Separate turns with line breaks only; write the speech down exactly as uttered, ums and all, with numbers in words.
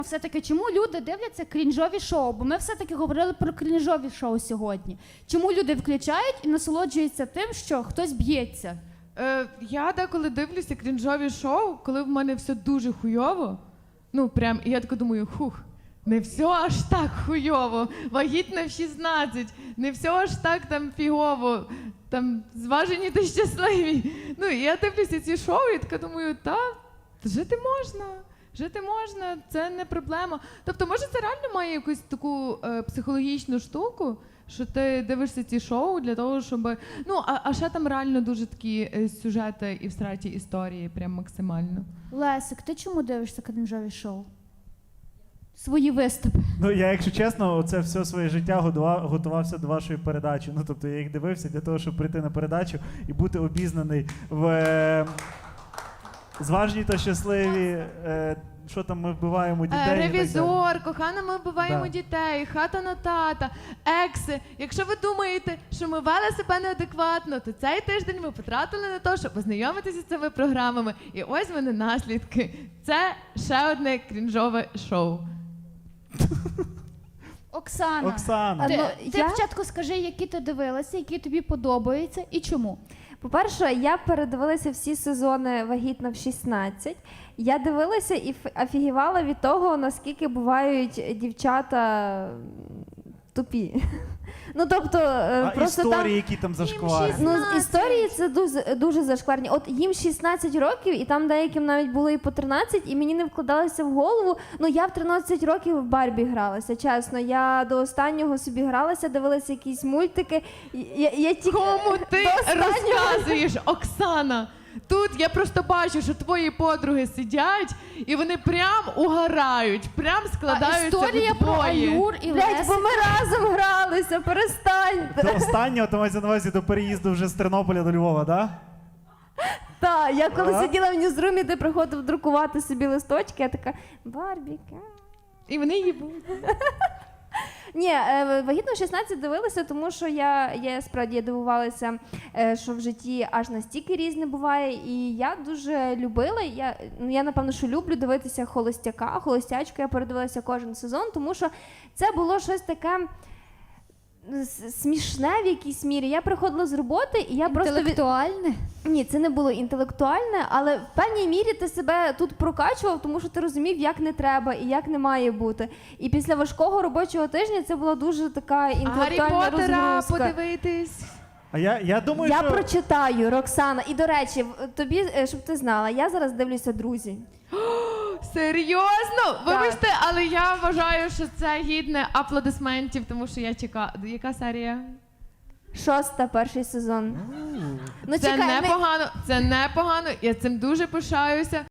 Все-таки, чому люди дивляться крінжові шоу? Бо ми все-таки говорили про крінжові шоу сьогодні. Чому люди включають і насолоджуються тим, що хтось б'ється?
Е, я деколи дивлюся крінжові шоу, коли в мене все дуже хуйово. Ну, прям, і я така думаю, хух, не все аж так хуйово, вагітна в шістнадцять, не все аж так там фігово, там зважені та щасливі. Ну, і я дивлюся ці шоу і така думаю, та, жити можна. Жити можна, це не проблема. Тобто, може, це реально має якусь таку е, психологічну штуку, що ти дивишся ці шоу для того, щоб... Ну, а, а ще там реально дуже такі е, сюжети і всраті історії, прям максимально.
Лесик, ти чому дивишся крінжові шоу? Свої виступи.
Ну, я, якщо чесно, це все своє життя готував, готувався до вашої передачі. Ну, тобто, я їх дивився для того, щоб прийти на передачу і бути обізнаний в... Е, зважні та щасливі, е, що там ми вбиваємо дітей.
Е,
і так
ревізор,
далі.
кохана, ми вбиваємо
Да.
дітей, хата на тата, екси. Якщо ви думаєте, що ми вели себе неадекватно, то цей тиждень ми потратили на те, щоб ознайомитися з цими програмами. І ось вони наслідки. Це ще одне крінжове шоу.
Оксана,
Оксана.
ти,
Ну,
ти
я-
спочатку скажи, які ти дивилася, які тобі подобаються і чому.
По-перше, я передивилася всі сезони «Вагітна в шістнадцять». Я дивилася і ф- офігівала від того, наскільки бувають дівчата тупі. Ну, тобто, е,
А
просто
історії,
там...
які там зашкварні.
Ну, історії це дуже, дуже зашкварні. От їм шістнадцять років, і там деяким навіть було і по тринадцять, і мені не вкладалося в голову. Ну, я в тринадцять років в Барбі гралася, чесно. Я до останнього собі гралася, дивилася якісь мультики. Я, я тільки...
Кому ти
до останнього-
розказуєш, Оксана? Тут я просто бачу, що твої подруги сидять, і вони прям угорають, прям
А
складаються
історія про
вдвоє.
Аюр і
Блять, бо
Лесика.
ми разом гралися, перестаньте.
До останнього, то мається на увазі до переїзду вже з Тернополя до Львова, так?
Так, я коли
А?
сиділа в ньюзрумі, де приходив друкувати собі листочки, я така, Барбіка.
І вони їбуть.
Ні, е, «Вагітну в шістнадцять» дивилася, тому що я, я справді я дивувалася, е, що в житті аж настільки різне буває. І я дуже любила, я, ну, я напевно, що люблю дивитися «Холостяка», «Холостячку», я передивилася кожен сезон, тому що це було щось таке с- смішне в якійсь мірі. Я приходила з роботи, і я просто... від-
Інтелектуальне?
Ні, це не було інтелектуальне, але в певній мірі ти себе тут прокачував, тому що ти розумів, як не треба і як не має бути. І після важкого робочого тижня це була дуже така
Гаррі
інтелектуальна
Поттера
розгрузка.
подивитись.
А я, я думаю,
Я
що...
прочитаю, Роксана. І, до речі, в- тобі, е, щоб ти знала, я зараз дивлюся «Друзі».
Серйозно? Вибачте, але я вважаю, що це гідне аплодисментів, тому що я чекаю. Яка серія?
Шоста, перший сезон. Ну,
Це
чекай, ми-
непогано, це непогано, я цим дуже пишаюся.